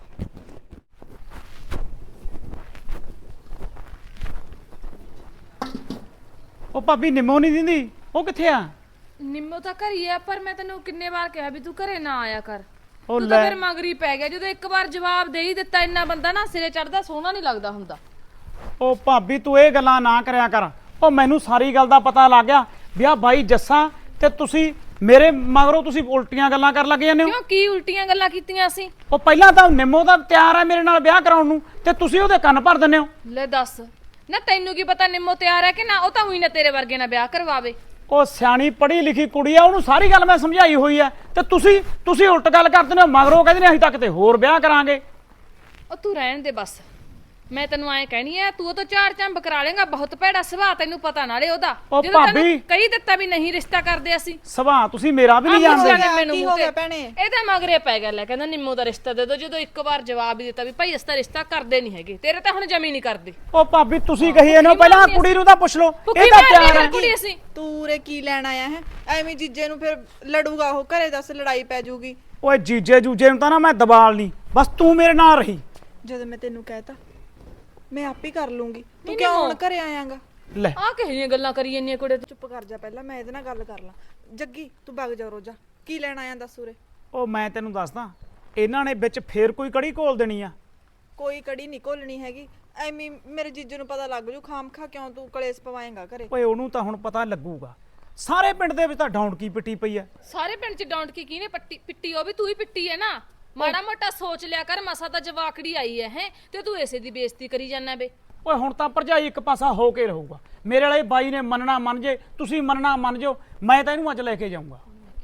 [SPEAKER 1] ਉਹ ਭਾਬੀ ਨਿੰਮੋ ਨਹੀਂ ਦਿੰਦੀ, ਉਹ ਕਿੱਥੇ ਆ?
[SPEAKER 3] ਨਿੰਮੋ ਤਾਂ ਘਰੀ ਆ, ਪਰ ਮੈਂ ਤੈਨੂੰ ਕਿੰਨੇ ਵਾਰ ਕਿਹਾ ਵੀ ਤੂੰ ਘਰੇ ਨਾ ਆਇਆ ਕਰ।
[SPEAKER 1] ਉਹ
[SPEAKER 3] ਤੂੰ ਤਾਂ
[SPEAKER 1] ਲੈ
[SPEAKER 3] ਫਿਰ ਮਗਰੀ ਪੈ ਗਿਆ। ਜਦੋਂ ਇੱਕ ਵਾਰ ਜਵਾਬ ਦੇ ਹੀ ਦਿੱਤਾ, ਇੰਨਾ ਬੰਦਾ ਨਾ ਸਿਰੇ ਚੜਦਾ ਸੋਹਣਾ ਨਹੀਂ ਲੱਗਦਾ ਹੁੰਦਾ।
[SPEAKER 1] ਉਹ ਭਾਬੀ ਤੂੰ ਇਹ ਗੱਲਾਂ ਨਾ ਕਰਿਆ ਕਰ। ਉਹ ਮੈਨੂੰ ਸਾਰੀ ਗੱਲ ਦਾ ਪਤਾ ਲੱਗ ਗਿਆ ਵੀ ਆ ਬਾਈ ਜੱਸਾ ਤੇ ਤੁਸੀਂ ਮੇਰੇ ਮਗਰੋਂ ਤੁਸੀਂ ਉਲਟੀਆਂ ਗੱਲਾਂ ਕਰਨ ਲੱਗ ਜਾਂਦੇ ਹੋ।
[SPEAKER 3] ਕਿਉਂ, ਕੀ ਉਲਟੀਆਂ ਗੱਲਾਂ ਕੀਤੀਆਂ ਅਸੀਂ?
[SPEAKER 1] ਉਹ ਪਹਿਲਾਂ ਤਾਂ ਨਿੰਮੋ ਦਾ ਤਿਆਰ ਹੈ ਮੇਰੇ ਨਾਲ ਵਿਆਹ ਕਰਾਉਣ ਨੂੰ, ਤੇ ਤੁਸੀਂ ਉਹਦੇ ਕੰਨ ਭਰ ਦਿੰਦੇ ਹੋ।
[SPEAKER 3] ਲੈ ਦੱਸ ਨਾ, ਤੈਨੂੰ ਕੀ ਪਤਾ ਨਿੰਮੋ ਤਿਆਰ ਹੈ ਕਿ ਨਾ? ਉਹ ਤਾਂ ਉਹੀ ਨਾ ਤੇਰੇ ਵਰਗੇ ਨਾਲ ਵਿਆਹ ਕਰਵਾਵੇ।
[SPEAKER 1] ਉਹ ਸਿਆਣੀ ਪੜ੍ਹੀ ਲਿਖੀ ਕੁੜੀ ਆ, ਉਹਨੂੰ ਸਾਰੀ ਗੱਲ ਮੈਂ ਸਮਝਾਈ ਹੋਈ ਆ, ਤੇ ਤੁਸੀਂ ਤੁਸੀਂ ਉਲਟ ਗੱਲ ਕਰਦੇ ਨੇ। ਮਗਰੋਂ ਕਹਿੰਦੇ ਨੇ ਅਸੀਂ ਤਾਂ ਕਿਤੇ ਹੋਰ ਵਿਆਹ ਕਰਾਂਗੇ।
[SPEAKER 3] ਉਹ ਤੂੰ ਰਹਿਣ ਦੇ ਬਸ। ਮੈਂ ਤੈਨੂੰ ਐਂ ਕਹਿਣੀ ਐ, ਤੂੰ ਉਹ ਤੋਂ ਝਾੜ ਝੰਬ ਕਰਾ ਲੇਗਾ। ਬਹੁਤ ਭੈੜਾ ਸੁਭਾਅ, ਤੈਨੂੰ ਪਤਾ ਨਾਲੇ ਉਹਦਾ।
[SPEAKER 1] ਉਹ
[SPEAKER 3] ਜਦੋਂ ਤੈਨੂੰ
[SPEAKER 1] ਭਾਬੀ।
[SPEAKER 3] ਕਹੀ ਦਿੱਤਾ ਵੀ ਨਹੀਂ ਰਿਸ਼ਤਾ ਕਰਦੇ ਅਸੀਂ।
[SPEAKER 1] ਸੁਭਾਅ ਤੁਸੀਂ ਮੇਰਾ ਵੀ ਨਹੀਂ
[SPEAKER 3] ਆਹ ਪੁੱਛ
[SPEAKER 1] ਜਾਣਦੇ।
[SPEAKER 3] ਲੈਣਾ ਮੈਨੂੰ
[SPEAKER 4] ਕੀ
[SPEAKER 3] ਮੂੰਹ
[SPEAKER 4] ਹੋ ਗਿਆ
[SPEAKER 3] ਤੇ।
[SPEAKER 4] ਭੈਣੇ?
[SPEAKER 3] ਇਹਦਾ ਮਗਰੇ ਪੈ ਗਿਆ, ਲੈ ਕਹਿੰਦਾ ਨਿੰਮੋ ਦਾ ਰਿਸ਼ਤਾ ਦੇ ਦੋ। ਜਦੋਂ ਇੱਕ ਵਾਰ ਜਵਾਬ ਹੀ ਦਿੱਤਾ ਵੀ ਭਾਈ ਇਸ ਦਾ ਰਿਸ਼ਤਾ ਕਰਦੇ ਨਹੀਂ ਹੈਗੇ, ਤੇਰੇ ਤਾਂ ਹੁਣ ਜਮੀ ਨਹੀਂ ਕਰਦੇ।
[SPEAKER 1] ਉਹ ਭਾਬੀ ਤੁਸੀਂ ਕਹੀ ਇਹਨੂੰ, ਪਹਿਲਾਂ ਕੁੜੀ ਨੂੰ ਤਾਂ ਪੁੱਛ ਲਓ,
[SPEAKER 3] ਭੁੱਖੀ
[SPEAKER 1] ਇਹ ਤਾਂ
[SPEAKER 3] ਮਾਰਨੀ
[SPEAKER 1] ਤਿਆਰ
[SPEAKER 3] ਫਿਰ
[SPEAKER 1] ਹੈ।
[SPEAKER 3] ਕੁੜੀ ਅਸੀਂ।
[SPEAKER 4] ਤੂੰ ਉਰੇ ਕੀ ਲੈਣ ਆਇਆ ਹੈ? ਐਵੇਂ ਜੀਜੇ ਨੂੰ ਫਿਰ ਲੜੂਗਾ ਉਹ, ਘਰੇ ਦੱਸ ਲੜਾਈ ਪੈ ਜਾਊਗੀ।
[SPEAKER 1] ਓਏ ਜੀਜੇ ਜੂਜੇ ਨੂੰ ਤਾਂ ਨਾ ਮੈਂ ਦਬਾਲ ਨਹੀਂ, ਬਸ ਤੂੰ ਮੇਰੇ ਨਾਲ ਰਹੀ।
[SPEAKER 4] ਜਦੋਂ ਮੈਂ ਤੈਨੂੰ ਕਹਿਤਾ ਮੈਂ ਆਪ ਹੀ ਕਰ ਲੂੰਗੀ, ਤੂੰ ਕਿਉਂ ਹੁਣ ਘਰੇ ਆਇਆਂਗਾ?
[SPEAKER 1] ਲੈ
[SPEAKER 3] ਆਹ ਕਿਹੋ ਜਿਹੀਆਂ ਗੱਲਾਂ ਕਰੀ ਜਾਂਦੀਆਂ ਕੁੜੇ ਤੂੰ?
[SPEAKER 4] ਚੁੱਪ ਕਰ ਜਾ, ਪਹਿਲਾਂ ਮੈਂ ਇਹਦੇ ਨਾਲ ਗੱਲ ਕਰ ਲਾਂ। ਜੱਗੀ ਤੂੰ ਵਗ ਜਾ ਰੋਜਾ, ਕੀ ਲੈਣ ਆਇਆ ਦੱਸ ਉਰੇ?
[SPEAKER 1] ਉਹ ਮੈਂ ਤੈਨੂੰ ਦੱਸਦਾ, ਇਹਨਾਂ ਨੇ ਵਿੱਚ ਫੇਰ ਕੋਈ ਕੜੀ ਘੋਲ ਦੇਣੀ ਆ।
[SPEAKER 4] ਕੋਈ ਕੜੀ ਨਹੀਂ ਘੋਲਣੀ ਹੈਗੀ। ਐਵੇਂ ਹੀ ਮੇਰੇ ਜੀਜੇ ਨੂੰ ਪਤਾ ਲੱਗ ਜੂ, ਖਾਮ ਖਾ ਕਿਉਂ ਤੂੰ ਕਲੇਸ਼ ਪਵਾਏਂਗਾ ਘਰੇ?
[SPEAKER 1] ਓਏ ਉਹਨੂੰ ਤਾਂ ਹੁਣ ਪਤਾ ਲੱਗੂਗਾ। ਸਾਰੇ ਪਿੰਡ ਦੇ ਵਿੱਚ ਤਾਂ ਡੌਂਡਕੀ ਪਿੱਟੀ ਪਈ ਆ।
[SPEAKER 3] ਸਾਰੇ ਪਿੰਡ ਚ ਡਾਂਟ ਕੀ ਕਿਹਨੇ ਪੱਟੀ ਪਿੱਟੀ? ਉਹ ਵੀ ਤੂੰ ਹੀ ਪਿੱਟੀ ਹੈ ਨਾ। ਮਾੜਾ ਮੋਟਾ ਸੋਚ ਲਿਆ ਕਰ, ਮਸਾ ਤਾਂ ਜਵਾਕੜੀ ਆਈ ਹੈ ਹੈ ਤੇ ਤੂੰ ਇਸੇ ਦੀ ਬੇਇੱਜ਼ਤੀ ਕਰੀ ਜਾਂਦਾ ਬੇ।
[SPEAKER 1] ਓਏ ਹੁਣ ਤਾਂ ਭਰਜਾਈ ਇੱਕ ਪਾਸਾ ਹੋ ਕੇ ਰਹੂਗਾ। ਮੇਰੇ ਵਾਲੇ ਬਾਈ ਨੇ ਮੰਨਣਾ ਮੰਨ ਜੇ, ਤੁਸੀਂ ਮੰਨਣਾ ਮੰਨ ਜਾਓ, ਮੈਂ ਤਾਂ ਇਹਨੂੰ ਅੱਜ ਲੈ ਕੇ ਜਾਊਂਗਾ।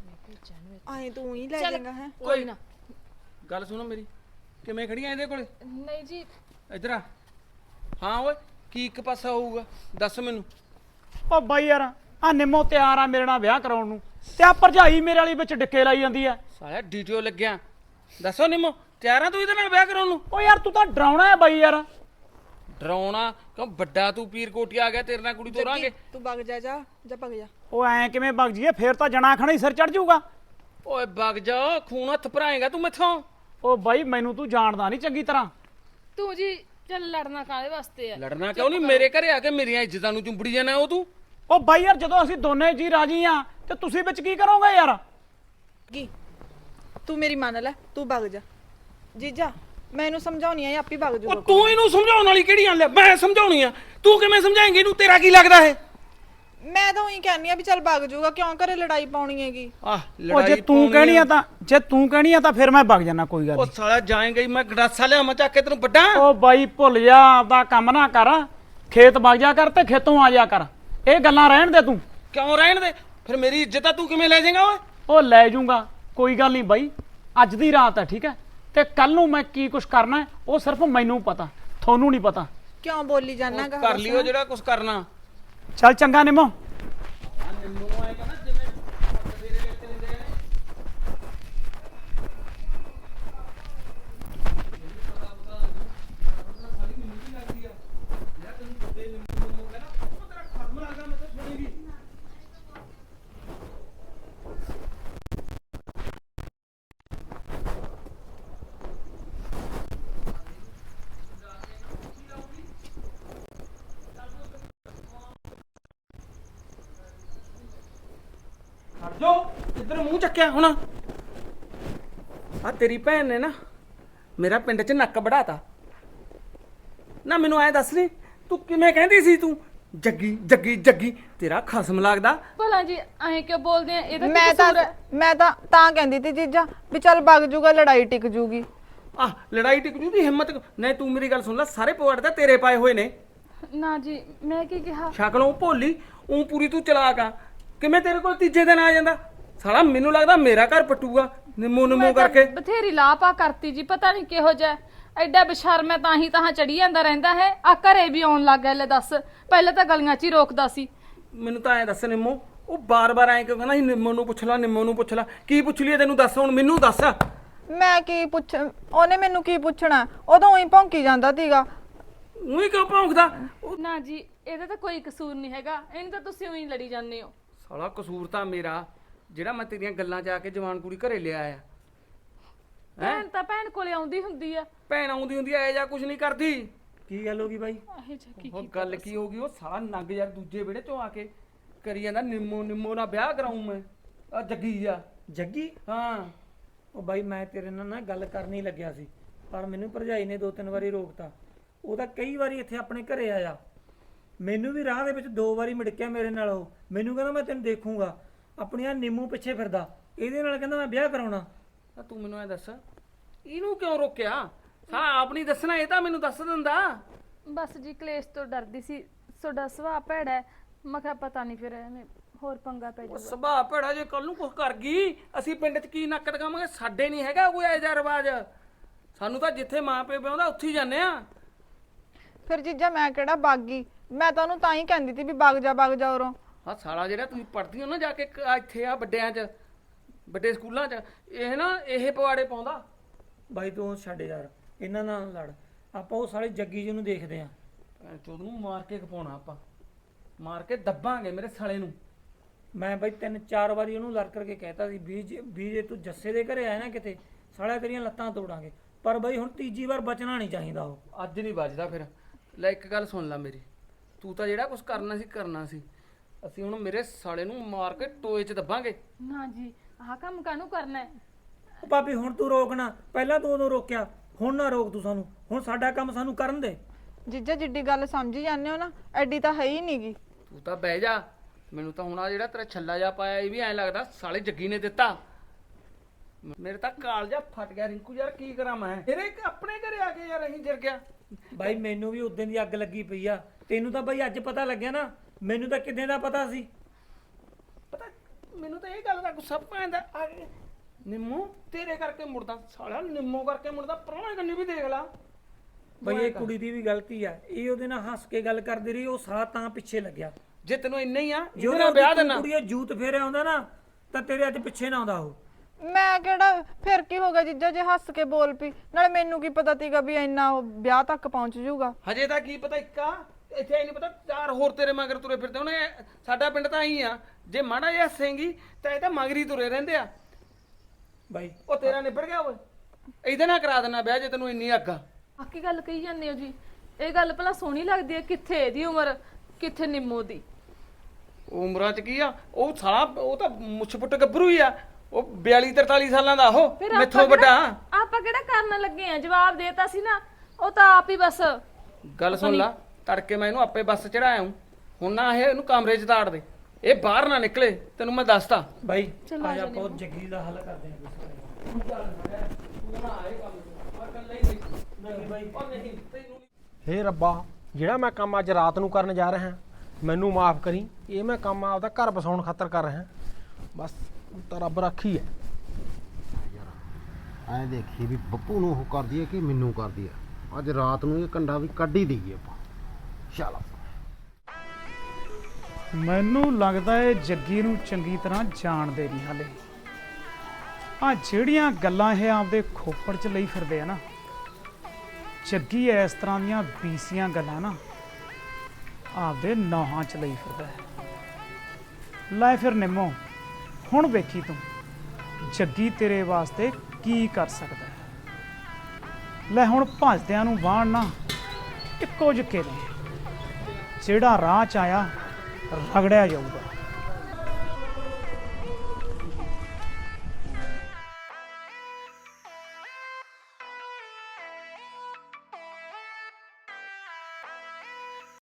[SPEAKER 4] ਆਏ ਤੂੰ ਹੀ ਲੈ
[SPEAKER 3] ਚੱਲ
[SPEAKER 4] ਜਾਏਗਾ ਹੈ?
[SPEAKER 3] ਕੋਈ ਨਾ।
[SPEAKER 5] ਗੱਲ ਸੁਣੋ ਮੇਰੀ, ਕਿਵੇਂ ਖੜੀਆਂ ਇਹਦੇ ਕੋਲੇ?
[SPEAKER 3] ਨਹੀਂ ਜੀ,
[SPEAKER 5] ਇੱਧਰ ਆ। ਹਾਂ ਓਏ, ਕੀ ਇੱਕ ਪਾਸਾ ਹੋਊਗਾ ਦੱਸ ਮੈਨੂੰ।
[SPEAKER 1] ਓ ਬਾਈ ਯਾਰ, ਆ ਨਿੰਮੋ ਤਿਆਰ ਆ ਮੇਰੇ ਨਾਲ ਵਿਆਹ ਕਰਾਉਣ ਨੂੰ, ਤੇ ਆ ਭਰਜਾਈ ਮੇਰੇ ਵਾਲੀ ਵਿੱਚ ਡਿੱਕੇ ਲਾਈ ਜਾਂਦੀ ਆ।
[SPEAKER 5] ਸਾਲਿਆ ਡੀਟੀਓ ਲੱਗਿਆ। ਦੱਸੋ ਨਿੰਮੋ, ਤਿਆਰ ਆ ਤੂੰ ਇਹਦੇ ਨਾਲ ਵਿਆਹ ਕਰਾਉਣ ਨੂੰ?
[SPEAKER 1] ਓ ਯਾਰ ਤੂੰ ਤਾਂ ਡਰਾਉਣਾ ਹੈ ਬਾਈ ਯਾਰ।
[SPEAKER 5] ਡਰਾਉਣਾ ਕਿਉਂ? ਵੱਡਾ ਤੂੰ ਪੀਰ ਕੋਟੀ ਆ ਗਿਆ, ਤੇਰੇ ਨਾਲ ਕੁੜੀ ਤੋਰਾਂਗੇ।
[SPEAKER 4] ਤੂੰ ਵਗ ਜਾ, ਜਾ ਜਾ ਵਗ ਜਾ।
[SPEAKER 1] ਓ ਐ ਕਿਵੇਂ ਵਗ ਜੀਏ? ਫੇਰ ਤਾਂ ਜਣਾ ਖਣਾ ਹੀ ਸਿਰ ਚੜ ਜਾਊਗਾ।
[SPEAKER 5] ਓਏ ਵਗ ਜਾ, ਖੂਨ ਹੱਥ ਭਰਾਏਗਾ ਤੂੰ ਮੈਥੋਂ।
[SPEAKER 1] ਓ ਬਾਈ ਮੈਨੂੰ ਤੂੰ ਜਾਣਦਾ ਨਹੀਂ ਚੰਗੀ ਤਰ੍ਹਾਂ।
[SPEAKER 3] ਤੂੰ ਜੀ ਚੱਲ ਲੜਨਾ ਕਾਹਦੇ ਵਾਸਤੇ ਆ?
[SPEAKER 5] ਲੜਨਾ ਕਿਉਂ ਨਹੀਂ? ਮੇਰੇ ਘਰੇ ਆ ਕੇ ਮੇਰੀਆਂ ਇੱਜ਼ਤਾਂ ਨੂੰ ਚੁੰਬੜੀ ਜਾਣਾ ਉਹ ਤੂੰ।
[SPEAKER 1] ਓ ਬਾਈ ਯਾਰ, ਜਦੋਂ ਅਸੀਂ ਦੋਨੇ ਜੀ ਰਾਜੀ ਆ ਤੇ ਤੁਸੀਂ ਵਿੱਚ ਕੀ ਕਰੋਗੇ ਯਾਰ?
[SPEAKER 4] ਕੀ ਤੂੰ ਮੇਰੀ ਮੰਨ ਲੈ, ਤੂੰ ਵਗ ਜਾ। ਜੀਜਾ ਮੈਂ ਇਹਨੂੰ ਸਮਝਾਉਣੀ ਆ, ਇਹ ਆਪੇ ਵਗ
[SPEAKER 5] ਉਹ
[SPEAKER 4] ਜੂਗਾ।
[SPEAKER 5] ਤੂੰ ਇਹਨੂੰ ਸਮਝਾਉਣ ਵਾਲੀ ਕਿਹੜੀ ਗੱਲ ਹੈ? ਮੈਂ ਸਮਝਾਉਣੀ ਆ, ਤੂੰ ਕਿਵੇਂ ਸਮਝਾਏਂਗੀ ਇਹਨੂੰ? ਤੇਰਾ ਕੀ ਲੱਗਦਾ ਹੈ?
[SPEAKER 4] ਮੈਂ ਤਾਂ ਉਹੀ ਕਹਿੰਨੀ ਆ ਵੀ ਚੱਲ ਵਗ ਜੂਗਾ, ਕਿਉਂ ਘਰੇ ਲੜਾਈ ਪਾਉਣੀ ਹੈਗੀ?
[SPEAKER 5] ਆਹ
[SPEAKER 1] ਓ ਜੇ ਤੂੰ ਕਹਿਣੀ ਆ ਤਾਂ ਜੇ ਤੂੰ ਕਹਿਣੀ ਆ ਤਾਂ ਫਿਰ ਮੈਂ ਵਗ ਜਾਣਾ, ਕੋਈ ਗੱਲ
[SPEAKER 5] ਉਹ
[SPEAKER 1] ਨਹੀਂ।
[SPEAKER 5] ਸਾਲਾ ਜਾਏਂਗਾ ਹੀ, ਮੈਂ ਗੜਾਸਾ ਲਿਆ ਮੈਂ ਚੱਕ ਕੇ ਤੈਨੂੰ ਵੱਡਾ।
[SPEAKER 1] ਓ ਬਾਈ ਭੁੱਲ ਜਾ, ਆਪਦਾ ਕੰਮ ਨਾ ਕਰ। ਖੇਤ ਵਗ ਜਾ ਕਰ ਤੇ ਖੇਤੋਂ ਆ ਜਾ ਕਰ। ਇਹ ਗੱਲਾਂ ਰਹਿਣ ਦੇ ਤੂੰ।
[SPEAKER 5] ਕਿਉਂ ਰਹਿਣ ਦੇ? ਫਿਰ ਮੇਰੀ ਇੱਜ਼ਤ ਆ ਤੂੰ ਕਿਵੇਂ ਲੈ ਜਾਏਗਾ ਓਏ?
[SPEAKER 1] ਉਹ ਲੈ ਜੂੰਗਾ, ਕੋਈ ਗੱਲ ਨਹੀਂ ਬਾਈ। ਅੱਜ ਦੀ ਰਾਤ ਹੈ, ਠੀਕ ਹੈ, ਤੇ ਕੱਲ ਨੂੰ ਮੈਂ ਕੀ ਕੁਛ ਕਰਨਾ ਹੈ ਉਹ ਸਿਰਫ ਮੈਨੂੰ ਪਤਾ, ਤੁਹਾਨੂੰ ਨਹੀਂ ਪਤਾ।
[SPEAKER 4] ਕਿਉਂ ਬੋਲੀ ਜਾਨਾ ਗਾ?
[SPEAKER 5] ਕਰ ਲਿਓ ਜਿਹੜਾ ਕੁਝ ਕਰਨਾ।
[SPEAKER 1] ਚੱਲ ਚੰਗਾ ਨਿੰਮੋ।
[SPEAKER 5] ਜੋ ਇੱਧਰ ਮੂੰਹ ਚੱਕਿਆ ਹੁਣ। ਆ ਤੇਰੀ ਭੈਣ ਨੇ ਨਾ ਮੇਰਾ ਪਿੰਡ 'ਚ ਨੱਕ ਵੜਾਤਾ ਨਾ। ਮੈਨੂੰ ਐ ਦੱਸ ਨੀ ਤੂੰ ਕਿਵੇਂ ਕਹਿੰਦੀ ਸੀ ਤੂੰ ਜੱਗੀ ਜੱਗੀ ਜੱਗੀ? ਤੇਰਾ ਖਸਮ ਲੱਗਦਾ।
[SPEAKER 3] ਭਲਾ ਜੀ ਐਂ ਕਿਉਂ ਬੋਲਦੇ ਆ? ਇਹਦਾ ਕੀ
[SPEAKER 4] ਮੈਂ ਤਾਂ
[SPEAKER 3] ਕਸੂਰ ਹੈ?
[SPEAKER 4] ਮੈਂ ਤਾਂ ਤਾਂ ਕਹਿੰਦੀ ਤੀ ਜੀਜਾ ਵੀ ਚੱਲ ਵਗ ਜੂਗਾ, ਲੜਾਈ ਟਿਕ ਜੂਗੀ।
[SPEAKER 5] ਆ ਲੜਾਈ ਟਿਕ ਜੂ ਦੀ ਹਿੰਮਤ ਨਹੀਂ। ਤੂੰ ਮੇਰੀ ਗੱਲ ਸੁਣ ਲੈ, ਸਾਰੇ ਪਵਾੜ ਤਾਂ ਤੇਰੇ ਪਾਏ ਹੋਏ ਨੇ।
[SPEAKER 3] ਨਾ ਜੀ ਮੈਂ ਕੀ ਕਿਹਾ?
[SPEAKER 5] ਸ਼ਕਲੋਂ ਭੋਲੀ ਉਹ ਪੂਰੀ ਤੂੰ ਚਲਾਕ ਆ। ਕਿਵੇਂ ਤੇਰੇ ਕੋਲ ਤੀਜੇ ਦਿਨ ਆ ਜਾਂਦਾ? ਸਾਲਾ ਮੈਨੂੰ ਲੱਗਦਾ ਮੇਰਾ ਘਰ ਪਟੂਗਾ ਨਿੰਮੋ ਨਿੰਮੋ
[SPEAKER 3] ਮੈਂ ਤਾਂ
[SPEAKER 5] ਕਰਕੇ।
[SPEAKER 3] ਬਥੇਰੀ ਲਾਪਾ ਕਰਤੀ ਜੀ, ਪਤਾ ਨਹੀਂ ਕਿਹੋ ਜਿਹਾ ਐਡਾ ਬਸ਼ਰਮ ਹੈ, ਤਾਂ ਹੀ ਤਾਂ ਚੜੀ ਜਾਂਦਾ ਰਹਿੰਦਾ ਹੈ। ਆ ਘਰੇ ਵੀ ਆਉਣ ਲੱਗ ਗਿਆ। ਲੈ ਦੱਸ, ਪਹਿਲਾਂ ਤਾਂ ਗਲੀਆਂ 'ਚ ਹੀ ਰੋਕਦਾ ਸੀ।
[SPEAKER 5] ਮੈਨੂੰ ਤਾਂ ਐ ਦੱਸ ਨਿੰਮੋ, ਉਹ ਬਾਰ-ਬਾਰ ਐਂ ਕਿਉਂ ਕਹਿੰਦਾ ਸੀ ਨਿੰਮੋ ਨੂੰ ਪੁੱਛ ਲੈ ਨਿੰਮੋ ਨੂੰ ਪੁੱਛ ਲੈ? ਕੀ ਪੁੱਛ ਲਈਏ ਤੈਨੂੰ? ਦੱਸ ਹੁਣ ਮੈਨੂੰ ਦੱਸ।
[SPEAKER 4] ਮੈਂ ਕੀ ਪੁੱਛ ਉਹਨੇ ਮੈਨੂੰ ਕੀ ਪੁੱਛਣਾ? ਉਦੋਂ ਹੀ ਭੌਂਕੀ ਜਾਂਦਾ ਸੀਗਾ।
[SPEAKER 5] ਉਹੀ ਕਿਉਂ ਭੌਂਕਦਾ? ਉਹ
[SPEAKER 3] ਨਾ ਜੀ ਇਹਦਾ ਤਾਂ ਕੋਈ ਕਸੂਰ ਨਹੀਂ ਹੈਗਾ, ਇਹਨੂੰ ਤਾਂ ਤੁਸੀਂ ਉਹੀ ਲੜੀ ਜਾਂਦੇ ਹੋ।
[SPEAKER 5] ਸਾਲਾ ਕਸੂਰ ਤਾਂ ਮੇਰਾ, ਜਿਹੜਾ ਮੈਂ ਤੇਰੀਆਂ ਗੱਲਾਂ 'ਚ ਆ ਕੇ ਜਵਾਨ ਕੁੜੀ ਘਰੇ ਲਿਆ ਆ।
[SPEAKER 3] ਭੈਣ ਤਾਂ ਭੈਣ ਕੋਲੇ ਆਉਂਦੀ ਹੁੰਦੀ ਆ।
[SPEAKER 5] ਭੈਣ ਆਉਂਦੀ ਹੁੰਦੀ ਐ ਜਾਂ ਕੁਝ ਨਹੀਂ ਕਰਦੀ।
[SPEAKER 2] ਕੀ ਗੱਲ ਹੋ ਗਈ ਬਾਈ?
[SPEAKER 3] ਇਹ ਜਾ ਕੀ
[SPEAKER 5] ਉਹ ਗੱਲ ਕੀ ਹੋ ਗਈ? ਉਹ ਸਾਲਾ ਨੰਗ ਯਾਰ ਦੂਜੇ ਵਿਹੜੇ ਤੋਂ ਆ ਕੇ ਕਰੀ ਜਾਂਦਾ ਨਿੰਮੋ ਨਿੰਮੋ ਨਾਲ ਵਿਆਹ ਕਰਾਉਂ ਮੈਂ। ਆ ਜੱਗੀ ਆ।
[SPEAKER 2] ਜੱਗੀ?
[SPEAKER 5] ਹਾਂ
[SPEAKER 2] ਉਹ ਬਾਈ ਮੈਂ ਤੇਰੇ ਨਾਲ ਨਾ ਗੱਲ ਕਰਨੀ ਲੱਗਿਆ ਸੀ, ਪਰ ਮੈਨੂੰ ਭਰਜਾਈ ਨੇ ਦੋ ਤਿੰਨ ਵਾਰੀ ਰੋਕਤਾ। ਉਹ ਤਾਂ ਕਈ ਵਾਰੀ ਇੱਥੇ ਆਪਣੇ ਘਰੇ ਆਇਆ, ਮੈਨੂੰ ਵੀ ਰਾਹ ਦੇ ਵਿੱਚ ਦੋ ਵਾਰੀ ਮਿੜਕਿਆ ਮੇਰੇ ਨਾਲ। ਉਹ ਮੈਨੂੰ ਕਹਿੰਦਾ ਮੈਂ ਤੈਨੂੰ ਦੇਖੂੰਗਾ, ਆਪਣੀਆਂ ਨਿੰਮੂ ਪਿੱਛੇ ਫਿਰਦਾ, ਇਹਦੇ ਨਾਲ ਕਹਿੰਦਾ ਮੈਂ ਵਿਆਹ ਕਰਾਉਣਾ।
[SPEAKER 5] ਤਾਂ ਤੂੰ ਮੈਨੂੰ ਐ ਦੱਸ, ਇਹਨੂੰ ਕਿਉਂ ਰੋਕਿਆ? ਸਾ ਆਪ ਨਹੀਂ ਦੱਸਣਾ, ਇਹ ਤਾਂ ਮੈਨੂੰ ਦੱਸ ਦਿੰਦਾ।
[SPEAKER 3] ਬਸ ਜੀ ਕਲੇਸ਼ ਤੋਂ ਡਰਦੀ ਸੀ, ਤੁਹਾਡਾ ਸੁਭਾਅ ਭੈੜਾ ਹੈ। ਮੈਂ ਕਿਹਾ ਪਤਾ ਨਹੀਂ ਫਿਰ ਇਹਨੇ ਹੋਰ ਪੰਗਾ ਪੈ
[SPEAKER 5] ਉਹ
[SPEAKER 3] ਜਾਊਗਾ।
[SPEAKER 5] ਸੁਭਾਅ ਭੈੜਾ, ਜੇ ਕੱਲ ਨੂੰ ਕੁਝ ਕਰ ਗਈ ਅਸੀਂ ਪਿੰਡ 'ਚ ਕੀ ਨੱਕ ਦਿਖਾਵਾਂਗੇ? ਸਾਡੇ ਨਹੀਂ ਹੈਗਾ ਕੋਈ ਐਜਾ ਰਿਵਾਜ। ਸਾਨੂੰ ਤਾਂ ਜਿੱਥੇ ਮਾਂ ਪਿਓ ਵਿਆਹੁੰਦਾ ਉੱਥੇ ਹੀ ਜਾਂਦੇ ਆ।
[SPEAKER 4] ਫਿਰ ਜੀਜਾ ਮੈਂ ਕਿਹੜਾ ਬਾਗੀ? ਮੈਂ ਤਾਂ ਉਹਨੂੰ ਤਾਂ ਹੀ ਕਹਿੰਦੀ ਤੀ ਵੀ ਵਗ ਜਾ ਵਗ ਜਾ ਉਰੋਂ।
[SPEAKER 5] ਹਾਂ ਸਾਲਾ ਜਿਹੜਾ ਤੁਸੀਂ ਪੜ੍ਹਦੀ ਹੋ ਨਾ ਜਾ ਕੇ ਕ- ਇੱਥੇ ਆ ਵੱਡਿਆਂ 'ਚ, ਵੱਡੇ ਸਕੂਲਾਂ 'ਚ, ਇਹ ਨਾ ਇਹ ਪਵਾੜੇ ਪਾਉਂਦਾ।
[SPEAKER 2] ਬਾਈ ਤੂੰ ਛੱਡ ਯਾਰ, ਇਹਨਾਂ ਨਾਲ ਲੜ। ਆਪਾਂ ਉਹ ਸਾਲੇ ਜੱਗੀ ਜੀ ਨੂੰ ਦੇਖਦੇ ਆਂ।
[SPEAKER 5] ਭੈਣ ਚੋਦ ਨੂੰ ਮਾਰ ਕੇ ਖਪਾਉਣਾ ਆਪਾਂ, ਮਾਰ ਕੇ ਦੱਬਾਂਗੇ ਮੇਰੇ ਸਾਲੇ ਨੂੰ।
[SPEAKER 2] ਮੈਂ ਬਾਈ ਤਿੰਨ ਚਾਰ ਵਾਰੀ ਉਹਨੂੰ ਲੜ ਕਰਕੇ ਕਹਿਤਾ ਸੀ ਵੀ ਜੇ ਵੀ ਜੇ ਤੂੰ ਜੱਸੇ ਦੇ ਘਰੇ ਆਇਆ ਨਾ ਕਿਤੇ, ਸਾਲਿਆ ਤੇਰੀਆਂ ਲੱਤਾਂ ਤੋੜਾਂਗੇ। ਪਰ ਬਾਈ ਹੁਣ ਤੀਜੀ ਵਾਰ ਬਚਣਾ ਨਹੀਂ ਚਾਹੀਦਾ। ਉਹ
[SPEAKER 5] ਅੱਜ ਨਹੀਂ ਵੱਜਦਾ ਫਿਰ। ਲੈ ਇੱਕ ਗੱਲ ਸੁਣ ਲੈ ਮੇਰੀ, ਤੂੰ ਤਾਂ ਜਿਹੜਾ ਕੁਝ ਕਰਨਾ ਸੀ ਕਰਨਾ ਸੀ। ਅਸੀਂ ਹੁਣ ਮੇਰੇ ਸਾਲੇ ਨੂੰ ਮਾਰ ਕੇ ਟੋਏ 'ਚ ਦੱਬਾਂਗੇ।
[SPEAKER 3] ਨਾ ਜੀ ਆਹ ਕੰਮ ਕਾਹਨੂੰ ਕਰਨਾ ਹੈ?
[SPEAKER 2] ਉਹ ਭਾਬੀ ਹੁਣ ਤੂੰ ਰੋਕਣਾ, ਪਹਿਲਾਂ ਤੂੰ ਉਦੋਂ ਰੋਕਿਆ, ਹੁਣ ਨਾ ਰੋਕ ਤੂੰ ਸਾਨੂੰ। ਹੁਣ ਸਾਡਾ ਕੰਮ ਸਾਨੂੰ ਕਰਨ ਦੇ।
[SPEAKER 4] ਜੀਜਾ ਜਿੱਡੀ ਗੱਲ ਸਮਝੀ ਜਾਂਦੇ ਹੋ ਨਾ, ਐਡੀ ਤਾਂ ਹੈ ਹੀ ਨਹੀਂਗੀ।
[SPEAKER 5] ਤੂੰ ਤਾਂ ਬਹਿ ਜਾ। ਮੈਨੂੰ ਤਾਂ ਹੁਣ ਆ ਜਿਹੜਾ ਤੇਰਾ ਛੱਲਾ ਜਾ ਪਾਇਆ ਇਹ ਵੀ ਐਂ ਲੱਗਦਾ ਸਾਲੇ ਜੱਗੀ ਨੇ ਦਿੱਤਾ। ਮੇਰੇ ਤਾਂ ਕਾਲਜਾ ਫਟ ਗਿਆ ਰਿੰਕੂ ਯਾਰ, ਕੀ ਕਰਾਂ ਮੈਂ? ਮੇਰੇ ਆਪਣੇ ਘਰੇ ਆ ਕੇ ਯਾਰ ਅਸੀਂ ਜਿਰ ਗਿਆ।
[SPEAKER 2] ਬਾਈ ਮੈਨੂੰ ਵੀ ਉਦੋਂ ਦੀ ਅੱਗ ਲੱਗੀ ਪਈ ਆ। ਤੈਨੂੰ ਤਾਂ ਬਾਈ ਅੱਜ ਪਤਾ ਲੱਗਿਆ ਨਾ, ਮੈਨੂੰ ਤਾਂ ਕਿੰਨੇ ਦਾ ਪਤਾ ਸੀ।
[SPEAKER 5] ਪਤਾ ਮੈਨੂੰ ਤਾਂ ਇਹ ਗੱਲ ਦਾ ਗੁੱਸਾ ਪੈਂਦਾ। ਆ ਕੇ ਨਿੰਮੋ ਤੇਰੇ ਕਰਕੇ ਮੁੜਦਾ, ਸਾਲਾ ਨਿੰਮੋ ਕਰਕੇ ਮੁੜਦਾ। ਪਰਵਾਹ ਕਰਨੀ ਵੀ ਦੇਖ ਲਾ।
[SPEAKER 2] ਬਾਈ ਇਹ ਕੁੜੀ ਦੀ ਵੀ ਗਲਤੀ ਆ, ਇਹ ਉਹਦੇ ਨਾਲ ਹੱਸ ਕੇ ਗੱਲ ਕਰਦੀ ਰਹੀ, ਉਹ ਸਾਲਾ ਤਾਂ ਪਿੱਛੇ ਲੱਗਿਆ।
[SPEAKER 5] ਜੇ ਤੈਨੂੰ ਇੰਨਾ ਹੀ ਆ
[SPEAKER 2] ਜੇ
[SPEAKER 5] ਜਿਹਦੇ ਨਾਲ ਵਿਆਹ ਦੇਣਾ।
[SPEAKER 2] ਕੁੜੀ ਜੂਤ ਫੇਰਿਆ ਆਉਂਦਾ ਨਾ ਤਾਂ ਤੇਰੇ ਅੱਜ ਪਿੱਛੇ ਨਾ ਆਉਂਦਾ ਉਹ।
[SPEAKER 4] ਮੈਂ ਕਿਹੜਾ ਫਿਰ ਕੀ ਹੋ ਗਿਆ ਜੀਜਾ ਜੇ ਹੱਸ ਕੇ ਬੋਲ ਪਈ? ਨਾਲੇ ਮੈਨੂੰ ਕੀ ਪਤਾ ਸੀਗਾ ਵੀ ਇੰਨਾ ਉਹ ਵਿਆਹ ਤੱਕ ਪਹੁੰਚ ਜਾਊਗਾ।
[SPEAKER 5] ਹਜੇ ਤਾਂ ਕੀ ਪਤਾ ਇੱਕਾ ਇੱਥੇ ਨਹੀਂ ਪਤਾ ਚਾਰ ਹੋਰ ਤੇਰੇ ਮਗਰ ਤੁਰੇ ਫਿਰਦੇ ਉਹਨੇ। ਸਾਡਾ ਪਿੰਡ ਤਾਂ ਆਈ ਆ, ਜੇ ਮਾੜਾ ਜਿਹਾ ਹੱਸੇਂਗੀ ਤਾਂ ਇਹ ਤਾਂ ਮਗਰੀ ਤੁਰੇ ਰਹਿੰਦੇ ਆ।
[SPEAKER 2] ਬਾਈ
[SPEAKER 5] ਉਹ ਤੇਰਾ ਨਿਬੜ ਗਿਆ ਓਏ, ਇਹਦੇ ਨਾਲ ਕਰਾ ਦੇਣਾ ਵਿਆਹ ਜੇ ਤੈਨੂੰ ਇੰਨੀ ਅੱਗ ਆ।
[SPEAKER 3] ਆਕੀ ਗੱਲ ਕਹੀ ਜਾਂਦੇ ਹੋ ਜੀ? ਇਹ ਗੱਲ ਭਲਾ ਸੋਹਣੀ ਲੱਗਦੀ ਹੈ? ਕਿੱਥੇ ਇਹਦੀ ਉਮਰ, ਕਿੱਥੇ ਨਿੰਮੋ ਦੀ?
[SPEAKER 5] ਉਮਰਾਂ ਚ ਕੀ ਆ ਉਹ ਸਾਲਾ, ਉਹ ਤਾਂ ਮੁੱਛ ਪੁੱਟ ਗੱਭਰੂ ਹੀ ਆ। ਉਹ ਬਿਆਲੀ ਤਰਤਾਲੀ ਸਾਲਾਂ ਦਾ ਉਹ
[SPEAKER 3] ਫਿਰ ਆਪਾਂ
[SPEAKER 5] ਮੈਥੋਂ ਵੱਡਾ।
[SPEAKER 3] ਕਿਹੜਾ- ਆਪਾਂ ਕਿਹੜਾ ਕਰਨ ਲੱਗੇ ਆ? ਜਵਾਬ ਦੇਤਾ ਸੀ ਨਾ, ਉਹ ਤਾਂ ਆਪ ਹੀ ਬਸ।
[SPEAKER 5] ਗੱਲ ਸੁਣ ਲਾ, ਤੜਕੇ ਮੈਂ ਇਹਨੂੰ ਆਪੇ ਬੱਸ ਚੜਾਇਆ ਹੂੰ। ਹੁਣ ਨਾ ਇਹ ਇਹਨੂੰ ਕਮਰੇ 'ਚ ਤਾੜ ਦੇ, ਇਹ ਬਾਹਰ ਨਾ ਨਿਕਲੇ, ਤੈਨੂੰ ਮੈਂ ਦੱਸਦਾ।
[SPEAKER 2] ਬਾਈ
[SPEAKER 3] ਚਲੋ
[SPEAKER 2] ਆ
[SPEAKER 3] ਆ
[SPEAKER 2] ਜਾ,
[SPEAKER 3] ਜਾਨੇ
[SPEAKER 2] ਬਹੁਤ ਜੱਗੀ ਦਾ ਹੱਲ ਕਰਦੇ ਹਾਂ ਕੁਛ।
[SPEAKER 5] ਤੂੰ ਨਾ ਆਏ ਕੰਮ ਮੈਂ ਕੱਲਾ ਹੀ ਨਹੀਂ
[SPEAKER 2] ਨਹੀਂ ਬਾਈ
[SPEAKER 5] ਉਹ ਨਹੀਂ ਤੈਨੂੰ
[SPEAKER 6] ਹੇ ਰੱਬਾ, ਜਿਹੜਾ ਮੈਂ ਕੰਮ ਅੱਜ ਰਾਤ ਨੂੰ ਕਰਨ ਜਾ ਰਿਹਾ ਮੈਨੂੰ ਮਾਫ ਕਰੀ। ਇਹ ਮੈਂ ਕੰਮ ਆਪਦਾ ਘਰ ਬਸਾਉਣ ਖਾਤਰ ਕਰ ਰਿਹਾ। ਬਸ ਤਾਂ ਰੱਬ ਰਾਖੀ ਹੈ।
[SPEAKER 7] ਐਂ ਦੇਖੀ ਵੀ ਬੱਪੂ ਨੂੰ ਉਹ ਕਰਦੀ ਹੈ ਕਿ ਮੈਨੂੰ ਕਰਦੀ ਹੈ। ਅੱਜ ਰਾਤ ਨੂੰ ਇਹ ਕੰਡਾ ਵੀ ਕੱਢ ਹੀ ਦਈਏ ਆਪਾਂ। ਚਲੋ
[SPEAKER 1] ਮੈਨੂੰ ਲੱਗਦਾ ਏ ਜੱਗੀ ਨੂੰ ਚੰਗੀ ਤਰ੍ਹਾਂ ਜਾਣਦੇ ਨਹੀਂ ਹਾਲੇ। ਆ ਜਿਹੜੀਆਂ ਗੱਲਾਂ ਇਹ ਆਪਦੇ ਖੋਪੜ 'ਚ ਲਈ ਫਿਰਦੇ ਆ ਨਾ, ਜੱਗੀ ਇਸ ਤਰ੍ਹਾਂ ਦੀਆਂ ਬੀਸੀਆਂ ਗੱਲਾਂ ਨਾ ਆਪਦੇ ਨੌਹਾਂ 'ਚ ਲਈ ਫਿਰਦਾ ਹੈ। ਲੈ ਫਿਰ ਨਿੰਮੋ, ਹੁਣ ਵੇਖੀ ਤੂੰ ਜੱਗੀ ਤੇਰੇ ਵਾਸਤੇ ਕੀ ਕਰ ਸਕਦਾ ਹੈ। ਲੈ ਹੁਣ ਭੱਜਦਿਆਂ ਨੂੰ ਵਾਹਣ ਨਾ ਇੱਕੋ ਜਿੱਕੇ ਨੇ, ਜਿਹੜਾ ਰਾਹ 'ਚ ਆਇਆ ਰਗੜਿਆ ਜਾਊਗਾ।